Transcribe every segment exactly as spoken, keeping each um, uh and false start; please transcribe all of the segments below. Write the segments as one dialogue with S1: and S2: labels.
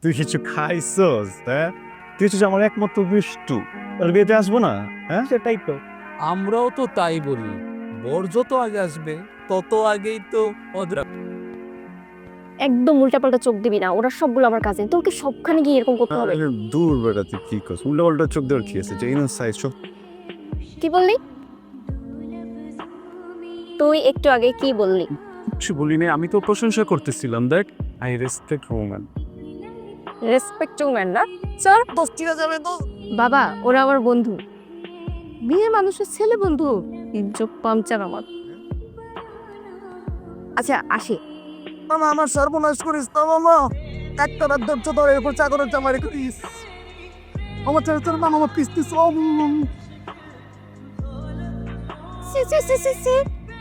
S1: তুই কিছু খাইছস? হ্যাঁ, তুই হচ্ছিস আমার একমাত্র বিষ্টু। তাহলে বিয়েতে আসবো না? হ্যাঁ,
S2: সেটাই তো।
S3: আমরাও তো তাই বলি, বর যত আগে আসবে তত আগেই তো অদ্রা।
S4: একদম উল্টাপাল্টা চোখ দিবি না, ওরা সবগুলো আমার কাজিন, তোকে সবখানে গিয়ে এরকম করতে হবে?
S1: আরে দূর বেটা, তুই কি করছিস? উল্টা পাল্টা চোখ দেওয়ার কি আছে? যে ইনো সাইজ সব
S4: কি বললি? তুই একটু আগে কি বললি?
S2: কিছু বলিনি, আমি তো প্রশংসা করতেছিলাম। দেখ, I respect woman.
S4: Respect to man না স্যার।
S3: দোস্তিরা যাবে তো।
S4: বাবা, ওরা আমার বন্ধু, বিয়ে মানুষের ছেলে বন্ধু। ইজ্জত পামচার আমার। আচ্ছা আসি।
S3: মামা আমার সর্বনাশ করিস না মামা, একটা রাত ধরছো তোর এরপর চাকরের চামারি করিস। আমার ছেলে তোর মামা আমার পিস্তিস।
S4: সি সি সি সি সি।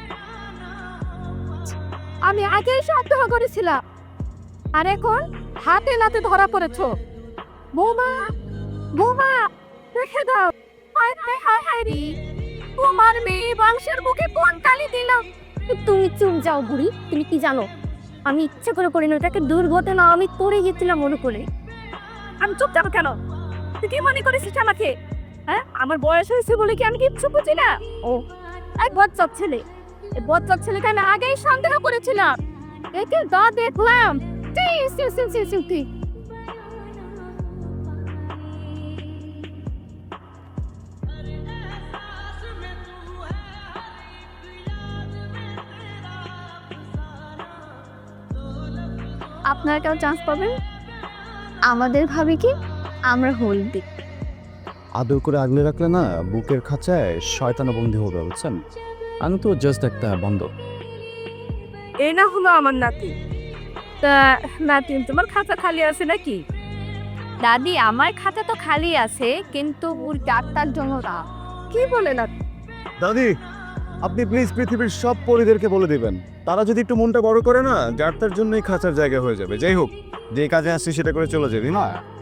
S4: আমি আগেই সন্দেহ করেছিলাম, আর এখন হাতে নাতে ধরা পড়েছো। বৌমা, বৌমা, রেখে দাও। হায় হায় হায় হায় রে, তোমার মেয়ে বংশের মুখে কোন কালি দিলাম। তুমি চুপ যাও বুড়ি, তুমি কি জানো আমি ইচ্ছে করে করিনি, ওটাকে দুর্ঘটনা, আমি পড়ে গেছিলাম মনে করে। আমি চুপ যাবো কেন? তুই কি মনে করেছিস আমাকে? হ্যাঁ, আমার বয়স হয়েছে বলে কি আমি কিচ্ছু বুঝি না? ও এক বচ্চক ছেলে, এই বচ্চক ছেলেকে আমি আগেই সন্দেহ করেছিলাম। একে দা দেখলাম। টি সি সি সি সি টি। আপনারা কেউ চান্স পাবেন? আমাদের ভাবি কি আমরা হলদি।
S1: আদর করে আগলে রাখলে না বুকের খাঁচায় শয়তানা বন্দী হবে, বুঝছেন? আমি তো জাস্ট একটা বন্ধ।
S4: এই না হলো আমার নাতি। তা নাতি, তোমার খাতা খালি আছে নাকি? দাদি, আমার খাতা তো খালি আছে, কিন্তু ওর ডাক্তার জন্য না। কি বলে না?
S1: দাদি, আপনি প্লিজ পৃথিবীর সব পরিদেরকে বলে দিবেন, তারা যদি একটু মনটা বড় করে না, যার তার জন্যই খাঁচার জায়গা হয়ে যাবে। যাই হোক, যে কাজে আসছি সেটা করে চলে যাবি না।